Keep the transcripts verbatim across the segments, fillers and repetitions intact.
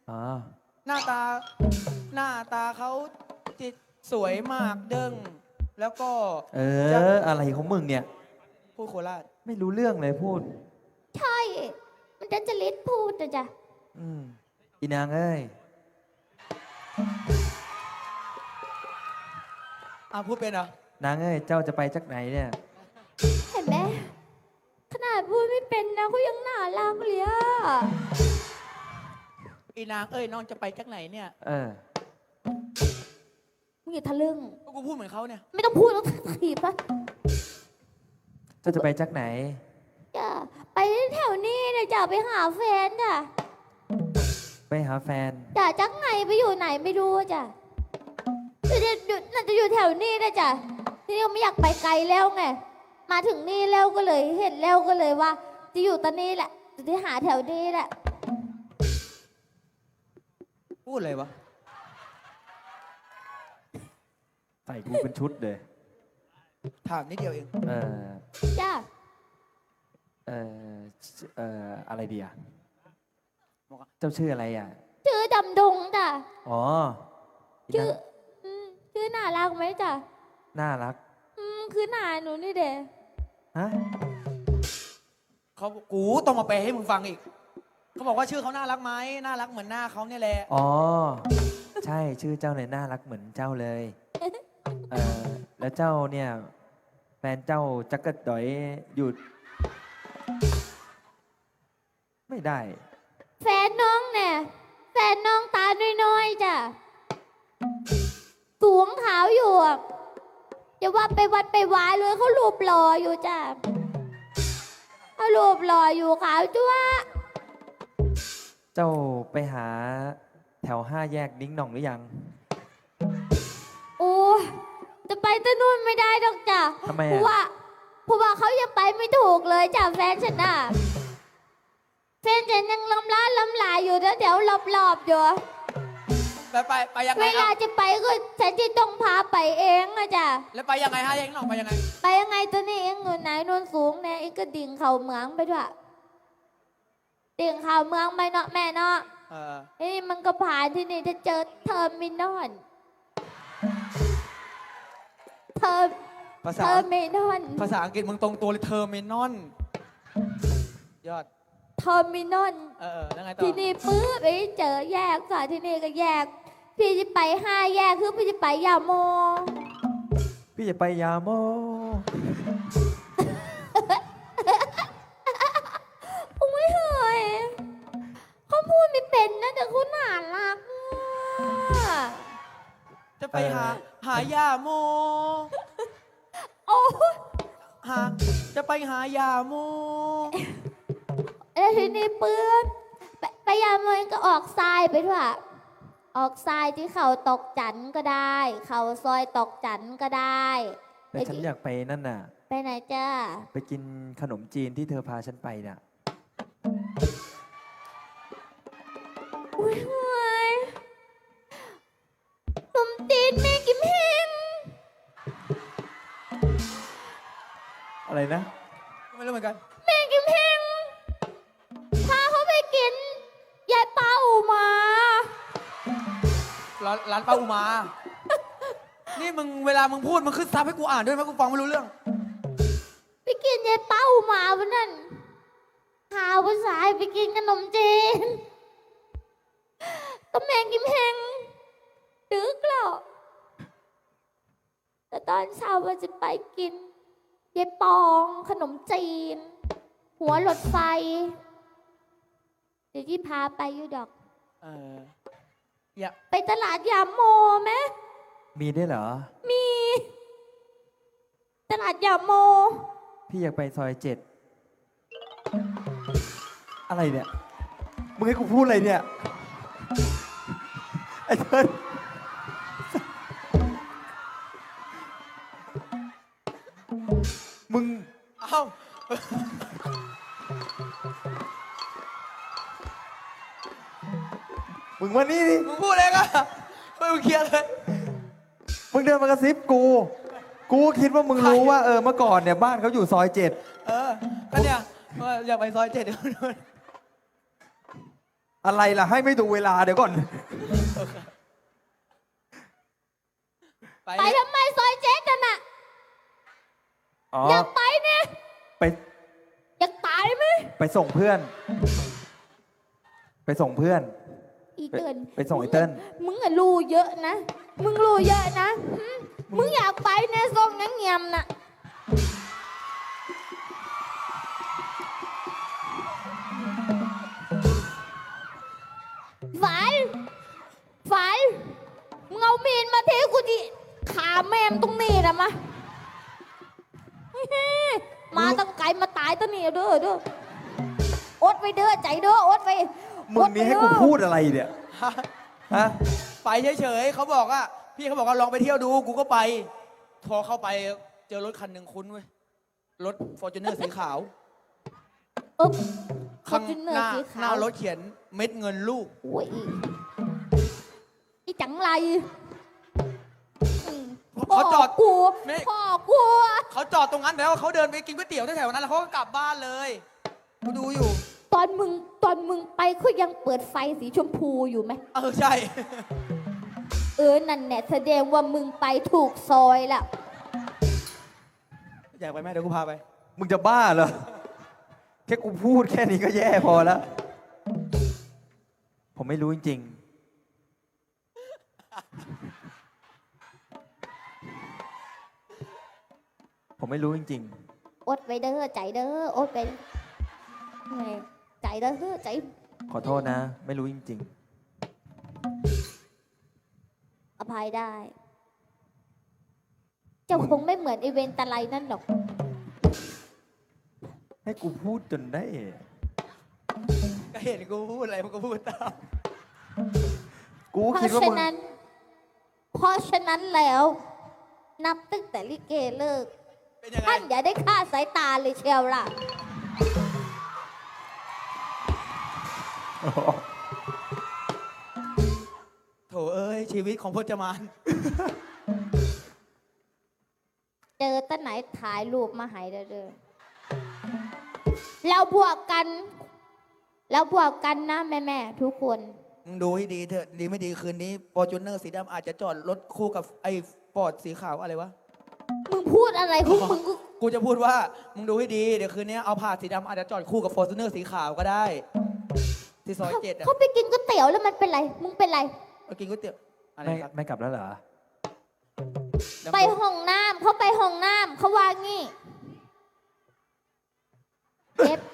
อ๋อหน้าตาหน้าตาเขาจิตสวยมากเด้งแล้วก็เออ อะไรของมึงเนี่ยพูดโคราชไม่รู้เรื่องเลยพูดใช่ มันดันจะลิดพูดนะจ๊ะอืมอีนางเอ้ยอ่ะพูดเป็นเหรอนางเอ้ย เจ้าจะไปจากไหนเนี่ยเห็นไหมขนาดพูดไม่เป็นนะเขายังน่ารักเลยอะอีนางเอ้ยน้องจะไปจากไหนเนี่ยเออมึงอย่าทะลึ่งก็กูพูดเหมือนเขาเนี่ยไม่ต้องพูดต้องถีบปะเจ้าจะไปจากไหนจ้ะไปแถวนี้นะจ้ะไปหาแฟนจ้ะไปหาแฟนจ้ะจักไงไปอยู่ไหนไม่รู้จ้ะอยู่เดี๋ยวอยู่น่าจะอยู่แถวนี้นะจ้ะทีนี้ก็ไม่อยากไปไกลแล้วไงมาถึงนี่แล้วก็เลยเห็นแล้วก็เลยว่า จะอยู่ตอนนี้แหละจะได้หาแถวนี้แหละพูดอะไรวะใส่กูเป็นชุดเลยถามนิดเดียวเองเออจ้ะเออเอออะไรดีอ่ะ เจ้าชื่ออะไรอ่ะชื่อดำดงจ้ะอ๋ออีชื่นาอง อืมชื่อน่ารักไหมจ้ะน่ารักอืมคือหนาหนูนี่เด้ฮะเขากูต้องมาแปลให้มึงฟังอีก เขาบอกว่าชื่อเขาน่ารักไหมน่ารักเหมือนหน้าเขาเนี่ยแหละอ๋อ ใช่ชื่อเจ้าเนี่ยน่ารักเหมือนเจ้าเลย เออแล้วเจ้าเนี่ย แฟนเจ้าจักกะดอยหยุด ไม่ได้แฟนน้องเนี่ยแฟนน้องตาน้อยๆจ้ะสูงขาวอยู่อะอย่าว่าไปวัดไปวายเลยเขารูปหล่ออยู่จ้ะเขารูปหล่ออยู่ขาวจ้วะเจ้าไปหาแถวห้าแยกนิ้งหน่องหรือยังโอ้ยจะไปตะนู่นไม่ได้ดอกจ้ะทำไมอะเพราะว่าเพราะว่าเขายังไปไม่ถูกเลยจ้ะแฟนฉันน่ะแฟนฉันยังลำล้าลำลายอยู่แถวๆรอบๆอยู่ไปไปไปยังไงเวลาอ่ะจะไปก็ฉันจะต้องพาไปเองอะจ้ะแล้วไปยังไงฮะเองน้องไปยังไงไปยังไงตัวนี้เองอยู่ไหนโนนสูงเนี่ยเองก็ดิ่งเข่าเมืองไปด้วยดิ่งเข่าเมืองไปเนาะแม่เนาะเออเอ้ยมันก็ผ่านที่นี่จะเจอเทอร์มินอลเทอร์ภาเทษาอร์มินอลภาษาอังกฤษมึงตรงตัวเลยเทอร์มินอลยอดเทอร์มินอลเออเออแล้วไงต่อที่นี่ปื๊บไปเจอแยกค่ะที่นี่ก็แยก พี่จะไปห้าแยกคือพี่จะไปยาโมพี่จะไปยาโมโอ้ยเฮ้ยเขาพูดไม่เป็นนะแต่เขาน่ารักอะจะไปหาหายาโมโอ้ยหาจะไปหายาโมแล้วทีนี้ปื๊บไปไปยาโมก็ออกทรายไปด้วย ออกทรายที่เขาตกจันก็ได้ เขาซอยตกจันก็ได้แต่ฉันอยากไปนั่นน่ะไปไหนจ้าไปกินขนมจีนที่เธอพาฉันไปน่ะอุ้ยเฮ้ยขนมจีนแม่กิมเฮงอะไรนะไม่รู้เหมือนกันแม่กิมเฮงพาเขาไปกินยายเป้ามาร้านร้านป้าอุมา นี่มึงเวลามึงพูดมึงขึ้นซับให้กูอ่านด้วยไหมกูฟังไม่รู้เรื่องไปกินยายเป้ามาวันนั้นข่าวภาษาไปกินขนมจีนก็แม่กิมเฮงดึกแล้วแต่ตอนเช้าว่าจะไปกินยายปองขนมจีน หัวรถไฟ เดี๋ยวที่พาไปอยู่ดอกเอออย่าไปตลาดยามโมไหมมีได้วยเหรอมี ตลาดยามโมพี่อยากไปซอยเจ็ด อะไรเนี่ย มึงให้กูพูดอะไรเนี่ย ไอ้เทิร์นมึงเอ้ามึงมานี่ดิมึงพูดเองอะไม่มึงเคลียร์เลยมึงเดินมากระซิบกู กูคิดว่ามึงรู้ว่าเออเมื่อก่อนเนี่ยบ้านเขาอยู่ซอยเจ็ดเออก็เนี่ยว่าอยากไปซอยเจ็ดเดี๋ยวนู้นอะไรล่ะให้ไม่ดูเวลาเดี๋ยวก่อนไปไปทำไมซอยเจ๊กันน่ะอ๋ออยากไปเนี่ยไปอยากตายไหมไปส่งเพื่อน ไปส่งเพื่อนอีไปเติ้ลไปส่งไอ้เติ้ลมึงอะรู้เยอะนะ มึงรู้เยอะนะหึมึงอยากไปเนี่ยส่งนังเงียมน่ะฝันฝันมึงเอามีดมาเทกูดิขาแม่มตรงนี้นะมา มาตั้งไกลมาตายตั้งนี่เด้อเด้ออดไปเด้อใจเด้ออดไปมึงนี่ให้กูพูดอะไรเนี่ย ฮะไปเฉยๆเขาบอกว่าพี่เขาบอกว่าลองไปเที่ยวดูกูก็ไปพอเข้าไปเจอรถคันหนึ่งคุ้นเว้ยรถฟอร์จูเนอร์สีขาวเออข้าง Fortuner หน้าสีหขาน้าว รถเขียนเม็ดเงินลูกโอ้ยอีจังไรอืมเขาจอดพ่กูไม่พ่อกูเขาจอดตรงนั้นแล้วเขาเดินไปกินก๋วยเตี๋ยวแถวๆนั้นแล้วเขาก็กลับบ้านเลยกูดูอยู่ตอนมึงตอนมึงไปเขายังเปิดไฟสีชมพูอยู่ไหมเออใช่เออนั่นแน่แสดงว่ามึงไปถูกซอยละอยากไปไหมเดี๋ยวกูพาไปมึงจะบ้าเหรอ แค่กูพูดแค่นี้ก็แย่พอแล้วผมไม่รู้จริงๆ ผมไม่รู้จริงอดไปเด้อใจเด้ออดไปแหม่ใจเด้อใจๆ ขอโทษนะ ไม่รู้จริงอภัยได้ เจ้าคงไม่เหมือนไอเวนตะไลนั่นหรอกๆ ให้กูพูดจนได้ก็เห็นกูพูดอะไรมันก็พูดตามกูเพคิดราะว่าฉะมึงนั้น เพราะฉะนั้นแล้ว นับตั้งแต่ลิเกเลิกเป็นยังไงท่านอย่าได้ฆ่าสายตาเลยเชียวล่ะโถเอ้ยชีวิตของพจมานเจอตั้งไหนถ่ายรูปมาให้เด้อเราบวกกัน เราบวกกันนะแม่แม่ๆทุกคนมึงดูให้ดีเถอะดีไม่ดีคืนนี้ฟอร์จูเนอร์สีดำอาจจะจอดรถคู่กับไอ้ฟอร์ดสีขาวอะไรวะมึงพูดอะไรของมึงกูกูจะพูดว่ามึงดูให้ดีเดี๋ยวคืนนี้เอาผ่าสีดำอาจจะจอดคู่กับฟอร์จูเนอร์สีขาวก็ได้ ที่ซอยเจ็ดอ่ะเขาไปกินก๋วยเตี๋ยวแล้วมันเป็นไร มึงเป็นไรไปกินก๋วยเตี๋ยวอะไรไม่ครับไม่กลับแล้วเหรอไปห้องน้ำเขาไปห้องน้ำเขาว่างี้เจ็บ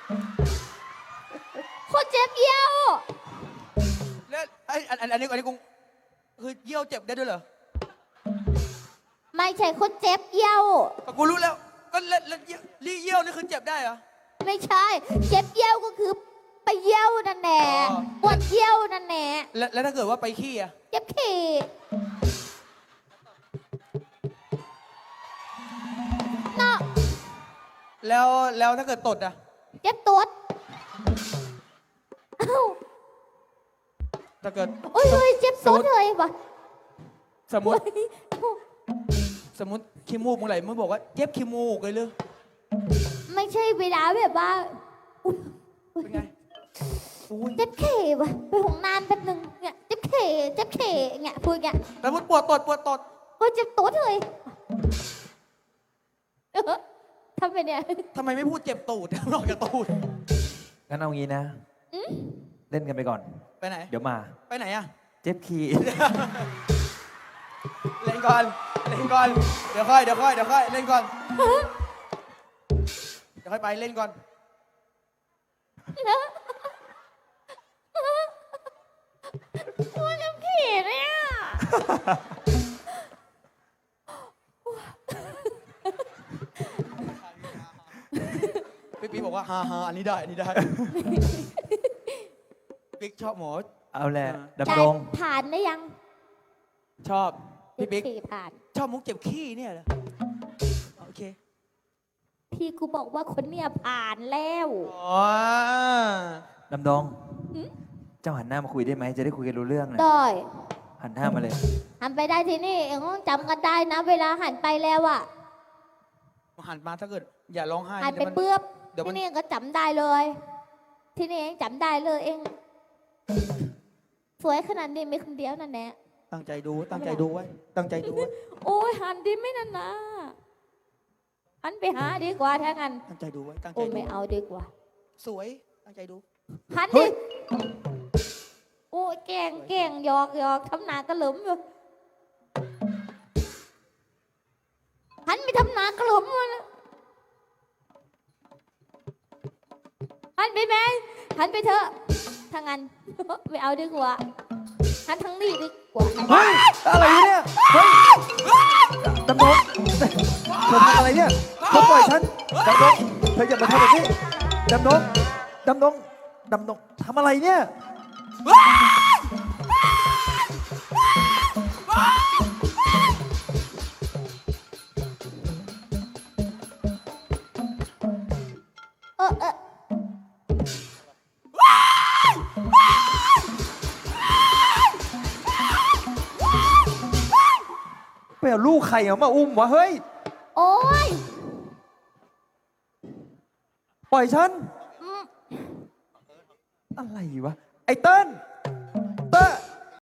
เขาเจ็บเยี่ยวแล้วไอ้อันอันอันนี้อันนี้กูคือเยี่ยวเจ็บได้ด้วยเหรอไม่ใช่เขาเจ็บเยี่ยวก็กูรู้แล้วก็แล้วแล้วเยี่ยวรีเยี่ยวนี่คือเจ็บได้เหรอไม่ใช่ เจ็บเยี่ยวก็คือไปเยี่ยวนั่นแหละอ๋อปวดเยี่ยวนั่นแหละแล้วแล้วถ้าเกิดว่าไปขี้อ่ะเจ็บขี้เนาะแล้วแล้วถ้าเกิดตดอ่ะเจ็บตัวเอ้าถ้าเกิดโอ้ยเฮ้ยเจ็บตัวเลยวะสมมติเฮ้ยเอ้าสมมติขี้มูกมึงไหลมึงบอกว่าเจ็บขี้มูกเลยเลยไม่ใช่เวลาแบบว่าอุ๊ยเป็นไงอุ้ยเจ็บเข่วะไปห้องน้ำแป๊บนึงเนี่ยเจ็บเข่เจ็บเข่เงี้ยพูดเงี้ยสมมติปวดตดปวดตดโอ้ยเจ็บตัวเลยเออทำไปเนี่ยทำไมไม่พูดเจ็บตูด นอกจากตูดงั้นเอางี้นะอืมเล่นกันไปก่อนไปไหนเดี๋ยวมาไปไหนอ่ะเจ็บคีเล่นก่อน เล่นก่อน เดี๋ยวค่อย เดี๋ยวค่อย เดี๋ยวค่อย เล่นก่อน เดี๋ยวค่อยไปเล่นก่อนตัวน้ำขี้เนี่ยพี่ปิ๊กบอกว่าฮาฮาอันนี้ได้ อันนี้ได้ ปิ๊กชอบหมอเอาแหละอ่าดำรงผ่านได้ยังชอบ พี่ปิ๊กเจ็บขี้ผ่านชอบมุกเจ็บขี้เนี่ยเหรอ โอเคพี่กูบอกว่าคนเนี่ยผ่านแล้วอ๋อดำดงหืมเจ้าหันหน้ามาคุยได้ไหม จะได้คุยกันรู้เรื่องนะได้หันหน้ามาเลยหันไปได้ที่นี่เองต้องจำกันได้นะ เวลาหันไปแล้วอะหันมาถ้าเกิด อย่าร้องไห้หันไปเดี๋ยวมันเปื้อบเดี๋ยวมันที่นี่เองก็จำได้เลย ที่นี่เองจำได้เลยเองสวยขนาดนี้มีคนเดียวนั่นแหละตั้งใจดูตั้งใจดูไว้ตั้งใจดูไว้โอ้ยหันดีไม่นั่นนะหันไปหาดีกว่าถ้างั้นตั้งใจดูไว้ตั้งใจโอ้ดูไม่เอาดีกว่าสวยตั้งใจดูหันเฮ้ดิยโอ้ยแกล้งแกล้งหยอกหยอกทำหนากระหลุมอยู่หันไปทำหนากระหลุมมันหันไปไหมหันไปเถอะถ้างั้น ไม่เอาดีกว่าหันทางนี้ดีกว่าเฮ้ย อะไรเนี่ย เฮ้ยดำนงเธอทำอะไรเนี่ยเธอปล่อยฉันดำนงเธออย่ามาทำแบบนี้ดำนงดำนงดำนงทำอะไรเนี่ยเออเออไปเอาลูกใครเอามาอุ้มวะ เฮ้ยโอ้ยปล่อยฉันอืมอะไรวะ ไอ้เติ้ล